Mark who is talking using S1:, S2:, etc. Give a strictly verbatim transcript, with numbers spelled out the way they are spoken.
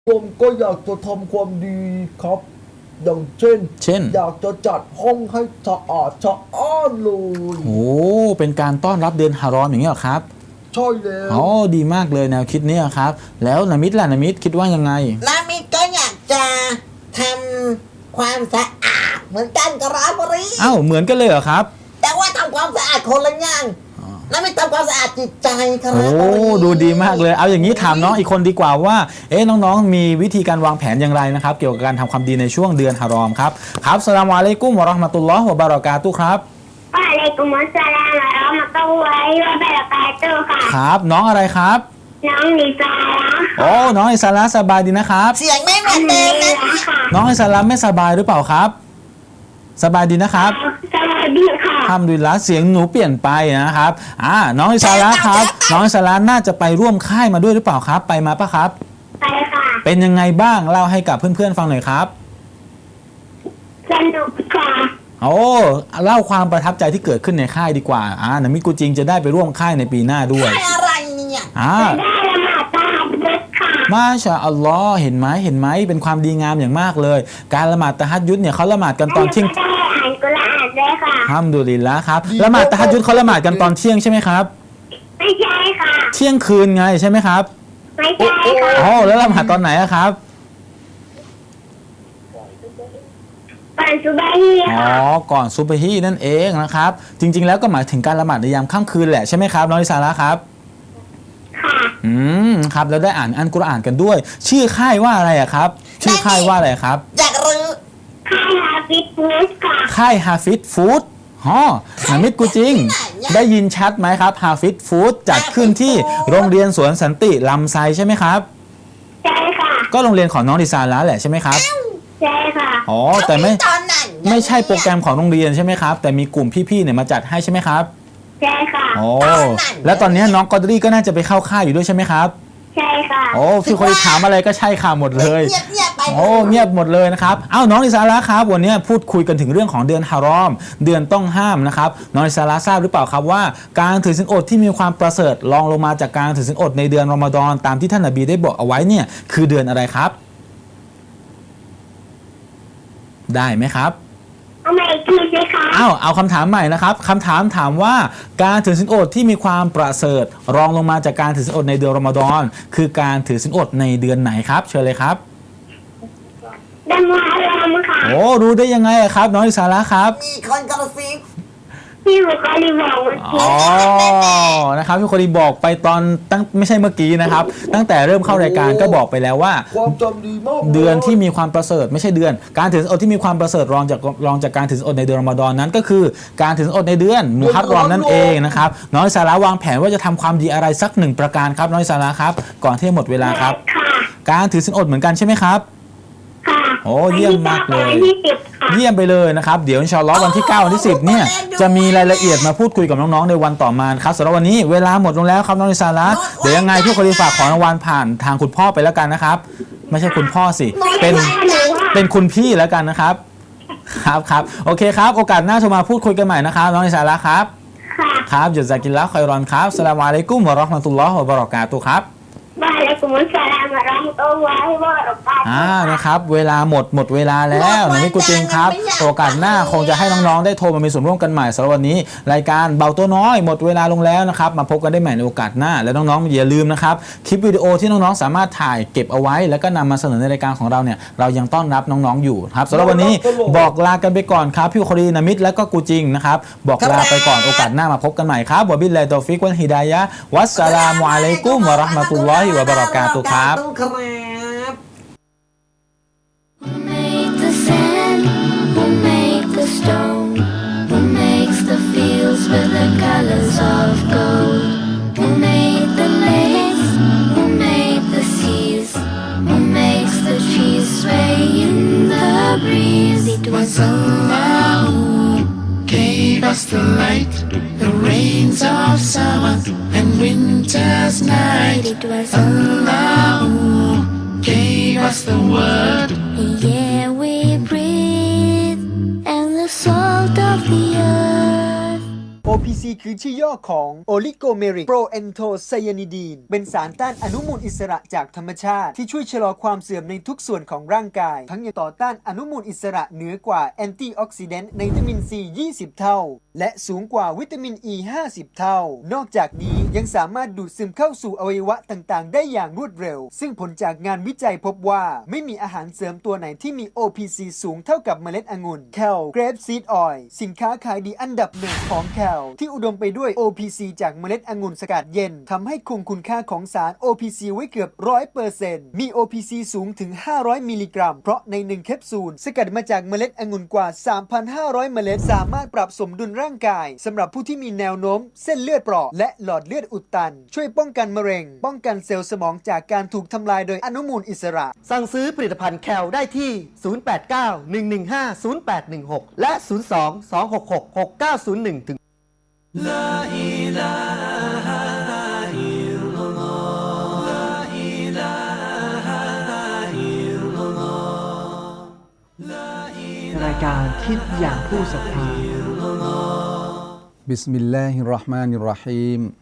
S1: ผมก็อยากจะทำความดีครับอย่างเช่น
S2: เช่น
S1: อยากจะจัดห้องให้สะอาดสะอ้านเลย
S2: โอ้เป็นการต้อนรับเดือนฮารอมอย่างนี้เหรอครับ
S1: ใช่แล้ว
S2: อ๋อดีมากเลยแนวคิดนี้ครับแล้วนามิดล่ะนามิดคิดว่ายังไง
S3: นามิดก็อยากจะทำความสะอาดเหมือนกันกับราบรี
S2: อ้าวเหมือนกันเลยเหรอครับ
S3: แต่ว่าทำความสะอาดคนละอย่างนามิดทำความสะอาดจิตใจครับ
S2: โอ้ดูดีมากเลยเอาอย่างนี้ถามน้องอีกคนดีกว่าว่าเอ๊ะน้องๆมีวิธีการวางแผนอย่างไรนะครับเกี่ยวกับการทำความดีในช่วงเดือนฮารอมครับครับอัสสลามุอะลัยกุมวะเราะห์มะตุลลอฮ์วะบะเราะกาตุฮ์ครับ
S4: วะอะลัยกุมุสสลามวะเราะห์มะตุลลอฮิวะบะเราะกาตุฮ์ค่ะ
S2: ครับน้องอะไรครับ
S4: น้องนิซาระ
S2: โอ้น้องอิสระสบายดีนะครับ
S3: เสียงไม่เหมือนเดิมนะ
S2: น้องอิสระไม่สบายหรือเปล่าครับสบายดีนะครับ
S4: สวัสดีค่ะ
S2: ทำดีละเสียงหนูเปลี่ยนไปนะครับอ่าน้องอิสระครับน้องอิสระน่าจะไปร่วมค่ายมาด้วยหรือเปล่าครับไปมาปะครับ
S4: ไปค่ะ
S2: เป็นยังไงบ้างเล่าให้กับเพื่อนๆฟังหน่อยครับ
S4: สนุกค่ะ
S2: โอ้เล่าความประทับใจที่เกิดขึ้นในค่ายดีกว่าอ่านามิกูจริงจะได้ไปร่วมค่ายในปีหน้าด้วย
S3: ค่ายอะไรเนี่ย
S2: อ่า
S4: ได้ละหมาดตะฮัจญุดค่ะ
S2: มาชาอัลลอฮ์เห็นไหมเห็นไหมเป็นความดีงามอย่างมากเลยการละหมาดตะฮัจญุดเนี่ยเขาละหมาดกันตอนเที่ยง
S4: ได้อ่านกุรอานด้วยค่ะ
S2: ฮัมดุลิลละครับละหมาดตะฮัจญุดเขาละหมาดกันตอนเที่ยงใช่ไหมครับ
S4: ไม่ใช่ค่ะ
S2: เที่ยงคืนไงใช่ไหมครับ
S4: ไม่ใช่ค่ะ
S2: อ๋อแล้วละหมาดตอนไหนครับ
S4: ก่อนซุบฮี
S2: อ๋อก่อนซุบฮีนั่นเองนะครับจริงๆแล้วก็หมายถึงการละหมาดในยามค่ำคืนแหละใช่ไหมครับน้องอิสาระครับ
S4: ค่ะ
S2: อืมครับแล้วได้อ่านอัลกุรอานกันด้วยชื่อค่ายว่าอะไรอะครับชื่อค่ายว่าอะไรครับ
S3: อยากรู้
S4: ค่ายฮาฟิซฟูดค่ะ
S2: ค่ายฮาฟิซฟู้ดฮอนามิดกูจริงได้ยินชัดไหมครับฮาฟิซฟู้ดจัดขึ้นที่โรงเรียนสวนสันติลำไซใช่ไหมครับ
S4: ใช่ค่ะ
S2: ก็โรงเรียนของน้องดิซาระแหละใช่ไหมครับ
S4: ใช่ค่ะ
S2: อ๋อแต่ไม่
S3: ตอนนั้น
S2: ไม่ใช่โปรแกรมของโรงเรียนใช่ไหมครับแต่มีกลุ่มพี่ๆเนี่ยมาจัดให้ใช่ไหมครับ
S4: ใช่ค่ะ
S2: โอ้แล้วตอนนี้น้องกอดรี่ก็น่าจะไปเข้าค่ายอยู่ด้วยใช่ไหมครับ
S4: ใช่ค่ะ
S2: โอ้พี่คนถามอะไรก็ใช่ค่ะหมดเลย
S3: เงียบๆไป
S2: โอ้เงียบหมดเลยนะครับเอ้าน้องอิสาระครับวันนี้พูดคุยกันถึงเรื่องของเดือนฮารอมเดือนต้องห้ามนะครับน้องอิสาระทราบหรือเปล่าครับว่าการถือศีลอดที่มีความประเสริฐรองลงมาจากการถือศีลอดในเดือนรอมฎอนตามที่ท่านนบีได้บอกเอาไว้เนี่ยคือเดือนอะไรครับได้ไหมครับ
S4: เอาใหม่อีกทีสิคะ
S2: อ้าวเอาคำถามใหม่นะครับคำถามถามว่าการถือศีลอดที่มีความประเสริฐรองลงมาจากการถือศีลอดในเดือนรอมฎอนคือการถือศีลอดในเดือนไหนครับเชิญเลยครับ
S4: เดือนมุฮัรรอมค่ะ
S2: โอ้รู้ได้ยังไงครับน้องอิสาระครับ
S3: มีคนกระซิบ
S4: พี่บุคลีบอกเมื่อกี้
S2: อ๋อนะครับพี่คนดีบอกไปตอนตั้งไม่ใช่เมื่อกี้นะครับตั้งแต่เริ่มเข้ารายการก็บอกไปแล้วว่า
S1: ความจำดีมาก
S2: เดือนที่มีความประเสริฐไม่ใช่เดือนการถือศีลอดที่มีความประเสริฐรองจากรองจากการถือศีลอดในเดือนรอมฎอนนั้นก็คือการถือศีลอดในเดือนมุฮัรรอมนั่นเองนะครับน้องอิสาระวางแผนว่าจะทำความดีอะไรสักหนึ่งประการครับน้องอิสาระครับก่อนที่จะหมดเวลาครับการถือศีลอดเหมือนกันใช่ไหมครับโอ้เยี่ยมมากเลยเยี่ยมไปเลยนะครับเดี๋ยวอินชาอัลลอฮ์วันที่เก้าวันที่สิบเนี่ยจะมีรายละเอียดมาพูดคุยกับน้องๆในวันต่อมาครับสำหรับวันนี้เวลาหมดลงแล้วครับน้องอิสาระเดี๋ยวยังไงพี่คนดีฝากของรางวัลผ่านทางคุณพ่อไปแล้วกันนะครับไม่ใช่คุณพ่อสิเป็นเป็นคุณพี่แล้วกันนะครับครับครับโอเคครับโอกาสหน้าโทรมาพูดคุยกันใหม่นะครับน้องอิสาระครับครับจุซากิลละคอยรอนครับอัสสลามุอะลัยกุมวะเราะห์มะตุลลอฮ์วะบะเราะกาตุฮ์ครับ
S4: วะอะลัยกุมุสสลามวะเราะห์มะตุลลอฮิวะบะเราะกาตุฮ์
S2: อ่านะครับเวลาหมดหมดเวลาแล้วนะพี่กูจริงครับโอกาสหน้าคงจะให้น้องๆได้โทรมามีส่วนร่วมกันใหม่สำหรับวันนี้รายการเบาตัวน้อยหมดเวลาลงแล้วนะครับมาพบกันได้ใหม่ในโอกาสหน้าและน้องๆอย่าลืมนะครับคลิปวิดีโอที่น้องๆสามารถถ่ายเก็บเอาไว้แล้วก็นำมาเสนอในรายการของเราเนี่ยเรายังต้อนรับน้องๆอยู่ครับสำหรับวันนี้บอกลากันไปก่อนครับพี่คดีนามิดและก็กูจริงนะครับบอกลาไปก่อนโอกาสหน้ามาพบกันใหม่ครับวะบิลลาฮิตอฟิกวัลฮิดายะฮ์วัสสลามุอะลัยกุมวะเราะห์มะตุลลอฮิวะบะเราะกาตุฮ์ครับ
S5: Who made the sand? Who made the stone? Who makes the fields with the colors of gold? Who made the lakes? Who made the seas? Who makes the trees sway in the breeze? It was Allah who gave us the light, the rains of summer and winter's night. It was Allah who gave us the word, the air we breathe, and the salt of the earth.
S6: โอ พี ซี คือชื่อย่อของ Oligomeric Proanthocyanidine เป็นสารต้านอนุมูลอิสระจากธรรมชาติที่ช่วยชะลอความเสื่อมในทุกส่วนของร่างกาย ทั้งยังต่อต้านอนุมูลอิสระเหนือกว่าแอนตี้ออกซิแดนต์ในวิตามินซี ยี่สิบ เท่า และสูงกว่าวิตามินอ e ห้าสิบ เท่า นอกจากนี้ยังสามารถดูดซึมเข้าสู่อวัยวะต่างๆ ได้อย่างรวดเร็ว ซึ่งผลจากงานวิจัยพบว่าไม่มีอาหารเสริมตัวไหนที่มี โอ พี ซี สูงเท่ากับเมล็ดองุ่น Cal Grape Seed Oil สินค้าขายดีอันดับหนึ่งของ Cal ที่อุดมไปด้วย โอ พี ซี จากเมล็ดองุ่นสกัดเย็นทำให้คงคุณค่าของสาร โอ พี ซี ไว้เกือบ หนึ่งร้อยเปอร์เซ็นต์ มี โอ พี ซี สูงถึง ห้าร้อย มิลลิกรัม เพราะในหนึ่งแคปซูลสกัดมาจากเมล็ดองุ่นกว่า สามพันห้าร้อย เมล็ดสามารถปรับสมดุลร่างกายสำหรับผู้ที่มีแนวโน้มเส้นเลือดเปราะและหลอดเลือดอุดตันช่วยป้องกันมะเร็งป้องกันเซลล์สมองจากการถูกทำลายโดยอนุมูลอิสระสั่งซื้อผลิตภัณฑ์แคลได้ที่ ศูนย์ แปด เก้า หนึ่ง หนึ่ง ห้า ศูนย์ แปด หนึ่ง หก และ ศูนย์ สอง สอง หก หก หก เก้า ศูนย์ หนึ่ง ถึง
S7: รายการคิดอย่างผู้ศรัทธา
S1: บิสมิลลาฮิรเราะห์มานิรเราะฮีม